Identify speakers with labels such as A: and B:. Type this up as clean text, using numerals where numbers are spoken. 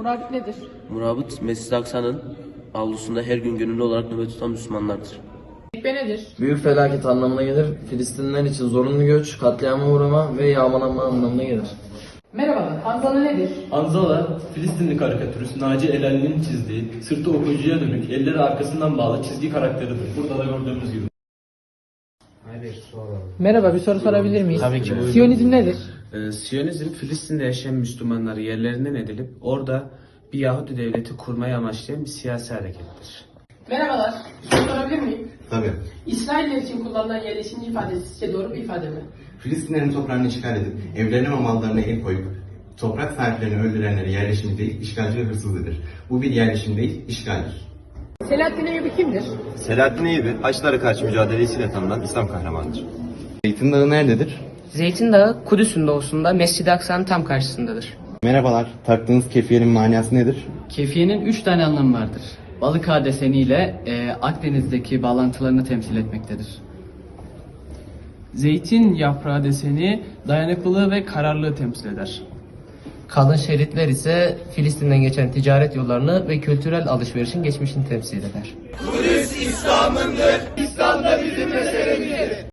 A: Murabit nedir?
B: Murabıt, Mescid-i Aksa'nın avlusunda her gün gönüllü olarak nöbet tutan Müslümanlardır.
A: Tekbe nedir?
C: Büyük felaket anlamına gelir. Filistinliler için zorunlu göç, katliama uğrama ve yağmalanma anlamına gelir.
A: Merhabalar, Hanzala nedir?
D: Hanzala, Filistinli karikatürist Naci Elenli'nin çizdiği, sırtı okuyucuya dönük, elleri arkasından bağlı çizgi karakteridir. Burada da gördüğümüz gibi.
A: Merhaba, bir soru sorabilir miyiz?
E: Tabii ki, buyurun.
A: Siyonizm nedir?
E: Siyonizm, Filistin'de yaşayan Müslümanları yerlerinden edilip orada bir Yahudi devleti kurmayı amaçlayan bir siyasi harekettir.
A: Merhabalar, bir soru sorabilir miyim?
F: Tabii.
A: İsrailler için kullanılan yerleşimci ifadesi sizce doğru bir ifade mi?
F: Filistinlerin toprağını işgal edip evlerine ve mallarına el koyup toprak sahiplerini öldürenleri yerleşimci değil, işgalci ve hırsızlıdır. Bu bir yerleşim değil, işgaldir.
A: Selahattin Eyyubi kimdir?
G: Selahattin Eyyubi, Haçlılara karşı mücadelesiyle tanınan İslam kahramanıdır.
F: Zeytin Dağı nerededir?
H: Zeytin Dağı, Kudüs'ün doğusunda Mescid-i Aksa'nın tam karşısındadır.
F: Merhabalar, taktığınız kefiyenin manası nedir?
I: Kefiyenin 3 tane anlamı vardır. Balık ağa deseniyle Akdeniz'deki bağlantılarını temsil etmektedir.
J: Zeytin yaprağı deseni dayanıklılığı ve kararlılığı temsil eder.
H: Kalın şeritler ise Filistin'den geçen ticaret yollarını ve kültürel alışverişin geçmişini temsil eder.
K: Kudüs İslam'ındır, İslam da bizim meselemizdir.